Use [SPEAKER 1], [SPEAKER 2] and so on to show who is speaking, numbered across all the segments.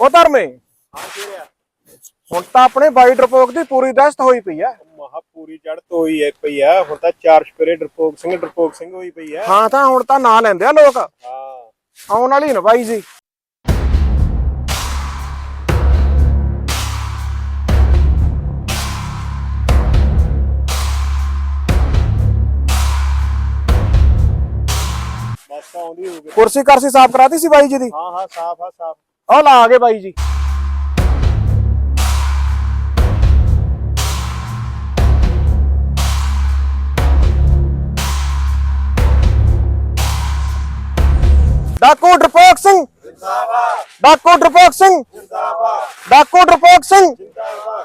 [SPEAKER 1] ਉਹ ਧਰਮੇ ਹੁਣ ਤਾਂ ਆਪਣੇ ਬਾਈ ਡਰਪੋਕ ਦੀ ਪੂਰੀ ਦਸਤ ਹੋਈ ਪਈ ਆ।
[SPEAKER 2] ਮਹਾ ਪੂਰੀ ਚੜ੍ਹਤ ਹੋਈ ਪਈ ਆ। ਹੁਣ ਤਾਂ 4 ਸਪੇਰੇ ਡਰਪੋਕ ਸਿੰਘ ਹੋਈ ਪਈ ਆ।
[SPEAKER 1] ਹਾਂ ਤਾਂ ਹੁਣ ਤਾਂ ਨਾਂ ਲੈਂਦੇ ਆ ਲੋਕ।
[SPEAKER 2] ਹਾਂ
[SPEAKER 1] ਆਉਣ ਵਾਲੀ ਨਾ ਬਾਈ ਜੀ।
[SPEAKER 2] ਬਸ ਆਉਂਦੀ ਹੋਊਗੀ।
[SPEAKER 1] ਕੁਰਸੀ ਕਰਸੀ ਸਾਫ਼ ਕਰਾਤੀ ਸੀ ਬਾਈ ਜੀ ਦੀ।
[SPEAKER 2] ਹਾਂ ਸਾਫ ਆ ਸਾਫ।
[SPEAKER 1] ਉਹ ਲਾ ਆ ਗਏ ਬਾਈ ਜੀ। ਡਾਕੂ ਡਰਪੋਕ ਸਿੰਘ ਜਿੰਦਾਬਾਦ। ਡਾਕੂ ਡਰਪੋਕ ਸਿੰਘ
[SPEAKER 2] ਜਿੰਦਾਬਾਦ।
[SPEAKER 1] ਡਾਕੂ ਡਰਪੋਕ ਸਿੰਘ
[SPEAKER 2] ਜਿੰਦਾਬਾਦ।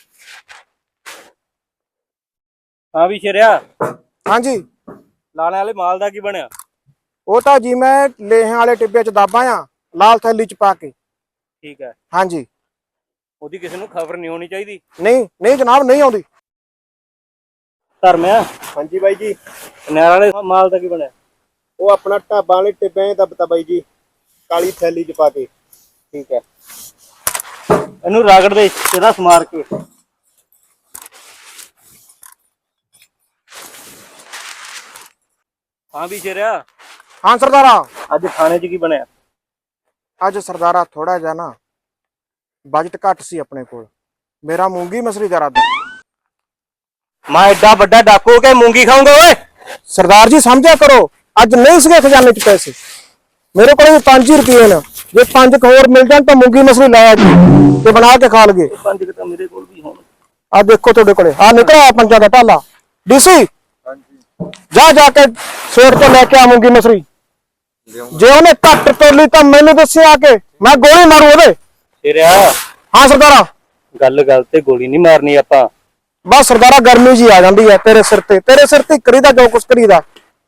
[SPEAKER 3] ਹਾਂ ਵੀ ਸ਼ੇਰਿਆ,
[SPEAKER 1] ਹਾਂਜੀ
[SPEAKER 3] ਲਾਣੇ ਵਾਲੇ ਮਾਲ ਦਾ ਕੀ ਬਣਿਆ?
[SPEAKER 1] ਉਹ ਤਾਂ ਜੀ ਮੈਂ ਲੇਹਾਂ ਵਾਲੇ ਟਿੱਬੇ ਚ ਦਾਬਾਂ ਆ ਲਾਲ ਥੈਲੀ ਚ ਪਾ ਕੇ।
[SPEAKER 3] ਠੀਕ ਹੈ,
[SPEAKER 1] ਹਾਂਜੀ
[SPEAKER 3] ਉਹਦੀ ਕਿਸੇ ਨੂੰ ਖਬਰ ਨਹੀਂ ਹੋਣੀ ਚਾਹੀਦੀ।
[SPEAKER 1] ਨਹੀਂ ਨਹੀਂ ਜਨਾਬ ਨਹੀਂ ਆਉਂਦੀ।
[SPEAKER 3] ਧਰਮਿਆ,
[SPEAKER 2] ਹਾਂਜੀ ਬਾਈ ਜੀ।
[SPEAKER 3] ਨਹਿਰ ਵਾਲੇ ਮਾਲ ਦਾ ਕੀ ਬਣਿਆ?
[SPEAKER 2] ਉਹ ਆਪਣਾ ਢਾਬਾਂ ਵਾਲੇ ਟਿੱਬਿਆਂ ਦੱਬਤਾ ਬਾਈ ਜੀ, ਕਾਲੀ ਥੈਲੀ ਚ ਪਾ ਕੇ।
[SPEAKER 3] ਠੀਕ ਹੈ, ਇਹਨੂੰ ਰਗੜ ਦੇ ਤੇਰਾ ਸਮਾਰ ਕੇ। ਹਾਂ ਵੀ ਸ਼ੇਰਿਆ,
[SPEAKER 1] ਹਾਂ ਸਰਦਾਰਾ।
[SPEAKER 3] ਅੱਜ ਖਾਣੇ 'ਚ ਕੀ ਬਣਿਆ?
[SPEAKER 1] ਅੱਜ ਸਰਦਾਰਾ ਥੋੜਾ ਜਿਹਾ ਨਾ ਬਜਟ ਘੱਟ ਸੀ ਆਪਣੇ ਕੋਲ। ਮੇਰਾ ਮੂੰਗੀ ਮਸਰੀ ਦਾ ਇਰਾਦਾ।
[SPEAKER 3] ਮੈਂ ਐਡਾ ਵੱਡਾ ਡਾਕੂ ਕੇ ਮੂੰਗੀ ਖਾਊਂਗਾ ਓਏ?
[SPEAKER 1] ਸਰਦਾਰ ਜੀ ਸਮਝਿਆ ਕਰੋ, ਅੱਜ ਨਹੀਂ ਸੀਗੇ ਖਜ਼ਾਨੇ ਚ ਪੈਸੇ। ਮੇਰੇ ਕੋਲ ਵੀ 5 ਰੁਪਏ ਨੇ। ਜੇ 5 ਹੋਰ ਮਿਲ ਜਾਣ ਤਾਂ ਮੂੰਗੀ ਮਸਰੀ ਲਾਇਆ ਜੀ ਤੇ ਬਣਾ ਕੇ ਖਾ ਲਗੇ।
[SPEAKER 3] 5 ਤਾਂ ਮੇਰੇ ਕੋਲ ਵੀ ਹੋਣ।
[SPEAKER 1] ਆ ਦੇਖੋ ਤੁਹਾਡੇ ਕੋਲੇ ਆ ਨਿਕਲਿਆ ਪੰਜਾਂ ਦਾ ਢਾਲਾ। ਡੀਸੀ ਜਾ ਜਾ ਕੇ ਸੇਠ ਤੋਂ ਲੈ ਕੇ ਆ ਮੂੰਗੀ ਮਸਰੀ। ਜੇ ਉਹਨੇ ਘੱਟ ਤੋਲੀ ਤਾਂ ਮੈਨੂੰ ਦੱਸਿਆ ਆ ਕੇ, ਮੈਂ ਗੋਲੀ ਮਾਰੂ ਉਹਦੇ।
[SPEAKER 3] ਸ਼ੇਰਿਆ,
[SPEAKER 1] ਹਾਂ ਸਰਦਾਰਾ।
[SPEAKER 3] ਗੱਲ ਤੇ ਗੋਲੀ ਨਹੀਂ ਮਾਰਨੀ ਆਪਾਂ।
[SPEAKER 1] ਬਸ ਸਰਦਾਰਾ ਗਰਮੀ ਜੀ ਆ ਜਾਂਦੀ ਹੈ ਤੇਰੇ ਸਿਰ ਤੇ ਕਰੀਦਾ ਜੋ ਕੁਛ ਕਰੀਦਾ।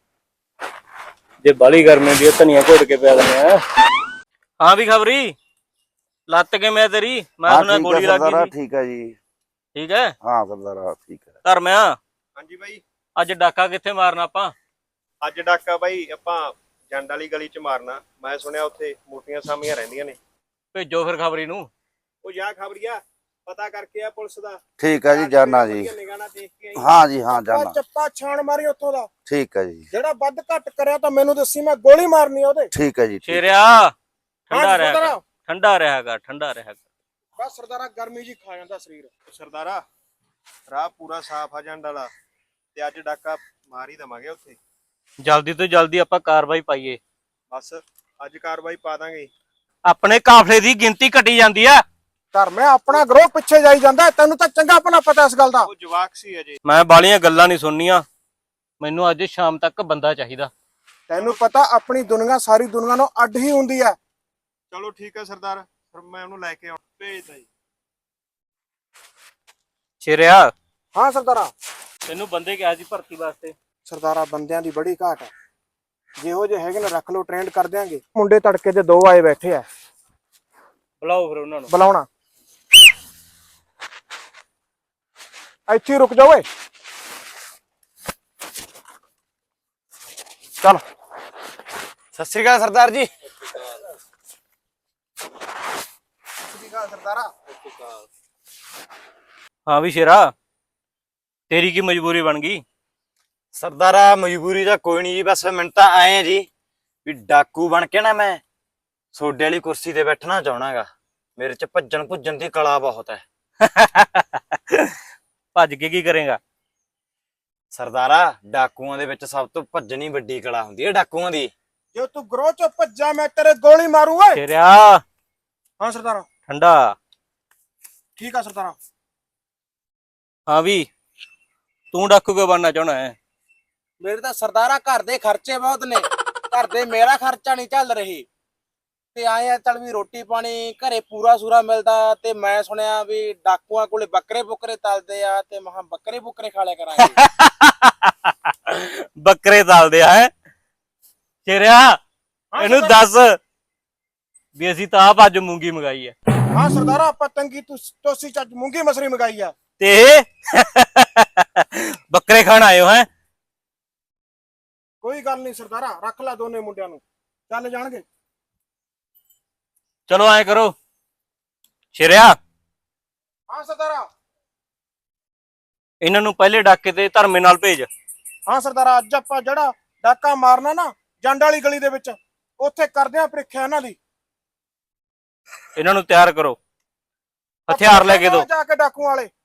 [SPEAKER 3] ਜੇ ਬਾਲੀ ਗਰਮੀ ਦੀ ਧਨੀਆ ਘੋਟ ਕੇ ਪਿਆ ਦਿੰਦੇ ਆ। ਹਾਂ ਵੀ ਖਬਰੀ ਲੱਤ ਕੇ ਮੈਂ ਤੇਰੀ, ਮੈਂ ਸੁਣਿਆ ਗੋਲੀ ਲੱਗ ਗਈ ਸੀ।
[SPEAKER 4] ਠੀਕ ਹੈ ਜੀ।
[SPEAKER 3] ਠੀਕ ਹੈ,
[SPEAKER 4] ਹਾਂ ਸਰਦਾਰਾ ਠੀਕ ਹੈ।
[SPEAKER 3] ਧਰਮਿਆ,
[SPEAKER 2] ਹਾਂਜੀ ਬਾਈ।
[SPEAKER 3] ਅੱਜ ਡਾਕਾ ਕਿੱਥੇ ਮਾਰਨਾ ਆਪਾਂ?
[SPEAKER 2] ਅੱਜ ਡਾਕਾ ਬਾਈ ਆਪਾਂ ਜੰਡ ਵਾਲੀ ਗਲੀ ਚ ਮਾਰਨਾ। ਮੈਂ ਸੁਣਿਆ ਉੱਥੇ ਮੋਟੀਆਂ ਸਾਮੀਆਂ ਰਹਿੰਦੀਆਂ ਨੇ।
[SPEAKER 3] ਭੇਜੋ ਫਿਰ ਖਬਰੀ ਨੂੰ।
[SPEAKER 2] ਉਹ ਜਾ ਖਬਰੀਆ ਪਤਾ ਕਰਕੇ ਆ ਪੁਲਿਸ ਦਾ।
[SPEAKER 4] ਠੀਕ ਹੈ ਜੀ, ਜਾਨਾ ਜੀ।
[SPEAKER 2] ਨਿਗਾਹ ਦੇਖ ਕੇ ਆਈ।
[SPEAKER 4] ਹਾਂ ਜੀ ਹਾਂ ਜਾਨਾ।
[SPEAKER 1] ਚੱਪਾ ਛਾਣ ਮਾਰੀ ਉੱਥੋਂ ਦਾ।
[SPEAKER 4] ਠੀਕ ਹੈ ਜੀ।
[SPEAKER 1] ਜਿਹੜਾ ਵੱਧ ਘੱਟ ਕਰਿਆ ਤਾਂ ਮੈਨੂੰ ਦੱਸੀ, ਮੈਂ ਗੋਲੀ ਮਾਰਨੀ ਉਹਦੇ।
[SPEAKER 4] ਠੀਕ ਹੈ ਜੀ।
[SPEAKER 3] ਸ਼ੇਰਿਆ, ਠੰਡਾ ਰਿਹਾ
[SPEAKER 1] ਸਰਦਾਰਾ।
[SPEAKER 3] ਕਰ, ਠੰਡਾ ਰਿਹਾ ਕਰ, ਠੰਡਾ ਰਿਹਾ ਕਰ।
[SPEAKER 1] ਬਸ ਸਰਦਾਰਾ ਗਰਮੀ ਜੀ ਖਾ ਜਾਂਦਾ ਸਰੀਰ।
[SPEAKER 2] ਸਰਦਾਰਾ ਰਾਹ ਪੂਰਾ ਸਾਫ ਆ ਜੰਡ ਵਾਲਾ, ਤੇ ਅੱਜ ਡਾਕਾ ਮਾਰ ਹੀ ਦਵਾਂਗੇ ਉੱਥੇ।
[SPEAKER 3] ਜਲਦੀ ਤੋਂ ਜਲਦੀ ਆਪਾਂ ਕਾਰਵਾਈ ਪਾਈਏ।
[SPEAKER 2] ਬਸ ਅੱਜ ਕਾਰਵਾਈ ਪਾ ਦਾਂਗੇ।
[SPEAKER 3] ਆਪਣੇ ਕਾਫਲੇ ਦੀ ਗਿਣਤੀ ਘਟੀ ਜਾਂਦੀ ਆ।
[SPEAKER 1] ਧਰਮੇ ਆਪਣਾ ਗਰੋਹ ਪਿੱਛੇ ਜਾਈ ਜਾਂਦਾ। ਤੈਨੂੰ ਤਾਂ ਚੰਗਾ ਆਪਣਾ ਪਤਾ ਇਸ ਗੱਲ ਦਾ।
[SPEAKER 2] ਉਹ ਜਵਾਕ ਸੀ ਅਜੇ।
[SPEAKER 3] ਮੈਂ ਬਾਲੀਆਂ ਗੱਲਾਂ ਨਹੀਂ ਸੁਣਨੀਆਂ। ਮੈਨੂੰ ਅੱਜ ਸ਼ਾਮ ਤੱਕ ਬੰਦਾ ਚਾਹੀਦਾ।
[SPEAKER 1] ਤੈਨੂੰ ਪਤਾ ਆਪਣੀ ਦੁਨੀਆ ਸਾਰੀ ਦੁਨੀਆ ਨਾਲੋਂ ਅੱਡ ਹੀ ਹੁੰਦੀ ਹੈ।
[SPEAKER 2] ਚਲੋ ਠੀਕ ਹੈ ਸਰਦਾਰ, ਫਿਰ ਮੈਂ ਉਹਨੂੰ ਲੈ ਕੇ ਆਉਂ ਭੇਜਦਾ ਜੀ।
[SPEAKER 3] ਸ਼ੇਰਿਆ,
[SPEAKER 1] ਹਾਂ ਸਰਦਾਰਾ।
[SPEAKER 3] ਤੈਨੂੰ ਬੰਦੇ ਕਿਹਾ ਸੀ ਭਰਤੀ ਵਾਸਤੇ?
[SPEAKER 1] ਸਰਦਾਰਾ ਬੰਦਿਆਂ ਦੀ ਬੜੀ ਘਾਟ ਹੈ। ਜਿਹੋ ਜਿਹੇ ਹੈਗੇ ਨੇ ਰੱਖ ਲਓ, ਟ੍ਰੇਨਡ ਕਰ ਦਿਆਂਗੇ। ਮੁੰਡੇ ਤੜਕੇ ਦੇ 2 ਆਏ ਬੈਠੇ ਆ।
[SPEAKER 3] ਬੁਲਾਓ ਫਿਰ ਉਹਨਾਂ ਨੂੰ।
[SPEAKER 1] ਬੁਲਾਉਣਾ ਇੱਥੇ ਰੁਕ ਜਾ ਓਏ। ਚਲ
[SPEAKER 4] ਸਤਿ ਸ੍ਰੀ ਅਕਾਲ ਸਰਦਾਰ ਜੀ।
[SPEAKER 1] ਸਰਦਾਰਾ।
[SPEAKER 3] ਹਾਂ ਵੀ ਸ਼ੇਰਾ, ਤੇਰੀ ਕੀ ਮਜਬੂਰੀ ਬਣ ਗਈ?
[SPEAKER 4] ਸਰਦਾਰਾ ਮਜਬੂਰੀ ਦਾ ਕੋਈ ਨਹੀਂ ਜੀ, ਬਸ ਮੈਨੂੰ ਤਾਂ ਆਏ ਆ ਜੀ ਵੀ ਡਾਕੂ ਬਣ ਕੇ ਨਾ ਮੈਂ ਸੋਡੇ ਵਾਲੀ ਕੁਰਸੀ ਤੇ ਬੈਠਣਾ ਚਾਹਣਾਗਾ। ਮੇਰੇ ਚ ਭੱਜਣ ਭੁੱਜਣ ਦੀ ਕਲਾ ਬਹੁਤ ਹੈ।
[SPEAKER 3] ਭੱਜ ਕੇ ਕੀ ਕਰੇਗਾ?
[SPEAKER 4] ਸਰਦਾਰਾ ਡਾਕੂਆਂ ਦੇ ਵਿੱਚ ਸਭ ਤੋਂ ਭੱਜਣੀ ਵੱਡੀ ਕਲਾ ਹੁੰਦੀ ਹੈ ਡਾਕੂਆਂ ਦੀ।
[SPEAKER 1] ਜੇ ਤੂੰ ਗਰੋਹ ਚੋਂ ਭੱਜਾ ਮੈਂ ਤੇਰੇ ਗੋਲੀ ਮਾਰੂ ਓਏ।
[SPEAKER 3] ਸ਼ੇਰਿਆ,
[SPEAKER 1] ਹਾਂ ਸਰਦਾਰਾ।
[SPEAKER 3] ਠੰਡਾ।
[SPEAKER 1] ਠੀਕ ਆ ਸਰਦਾਰਾ।
[SPEAKER 3] ਹਾਂ ਵੀ ਤੂੰ ਡਾਕੂ ਕਿਉਂ ਬਣਨਾ ਚਾਹਣਾ ਹੈ?
[SPEAKER 1] ਮੇਰੇ ਤਾਂ ਸਰਦਾਰਾ ਘਰ ਦੇ ਖਰਚੇ ਬਹੁਤ ਨੇ। ਘਰ ਦੇ ਮੇਰਾ ਖਰਚਾ ਨਹੀਂ ਚੱਲ ਰਹੀ ਤੇ ਆਏ ਆ ਚੱਲ ਵੀ ਰੋਟੀ ਪਾਣੀ ਘਰੇ ਪੂਰਾ ਸੂਰਾ ਮਿਲਦਾ। ਤੇ ਮੈਂ ਸੁਣਿਆ ਵੀ ਡਾਕੂਆਂ ਕੋਲੇ ਬੱਕਰੇ ਬੁੱਕਰੇ ਤਲਦੇ ਆ ਤੇ ਮਹਾ ਬੱਕਰੇ ਬੁੱਕਰੇ ਖਾ ਲਿਆ ਕਰਾਂਗੇ।
[SPEAKER 3] ਬੱਕਰੇ ਤਲਦੇ ਆ ਹੈ? ਸ਼ੇਰਿਆ, ਇਹਨੂੰ ਦੱਸ ਵੀ ਅਸੀਂ ਤਾਂ ਆਪ ਅੱਜ ਮੂੰਗੀ ਮੰਗਾਈ ਹੈ।
[SPEAKER 1] ਹਾਂ ਸਰਦਾਰਾ, ਆਪਾਂ ਤੰਗੀ ਤੋਸੀ ਚ ਅੱਜ ਮੂੰਗੀ ਮਸਰੀ ਮੰਗਾਈ ਆ।
[SPEAKER 3] ਤੇ ਬੱਕਰੇ ਖਾਣ ਆਇਓ ਹੈ?
[SPEAKER 1] ਕੋਈ ਗੱਲ ਨਹੀਂ ਸਰਦਾਰਾ, ਰੱਖ ਲੈ ਦੋਨੇ ਮੁੰਡਿਆਂ ਨੂੰ, ਚੱਲ ਜਾਣਗੇ।
[SPEAKER 3] ਚਲੋ ਐਂ ਕਰੋ, ਸ਼ੇਰਿਆ,
[SPEAKER 1] ਹਾਂ ਸਰਦਾਰਾ।
[SPEAKER 3] ਇਹਨਾਂ ਨੂੰ ਪਹਿਲੇ ਡਾਕੇ ਤੇ ਧਰਮੇ ਨਾਲ ਭੇਜ।
[SPEAKER 1] ਹਾਂ ਸਰਦਾਰਾ, ਅੱਜ ਆਪਾਂ ਜਿਹੜਾ ਡਾਕਾ ਮਾਰਨਾ ਨਾ ਜੰਡ ਵਾਲੀ ਗਲੀ ਦੇ ਵਿੱਚ, ਉੱਥੇ ਕਰਦੇ ਆ ਪ੍ਰੀਖਿਆ ਇਹਨਾਂ ਦੀ।
[SPEAKER 3] ਇਹਨਾਂ ਨੂੰ ਤਿਆਰ ਕਰੋ, ਹਥਿਆਰ ਲੈ ਕੇ ਦਿਓ।
[SPEAKER 1] ਜਾ ਕੇ ਡਾਕੂ ਵਾਲੇ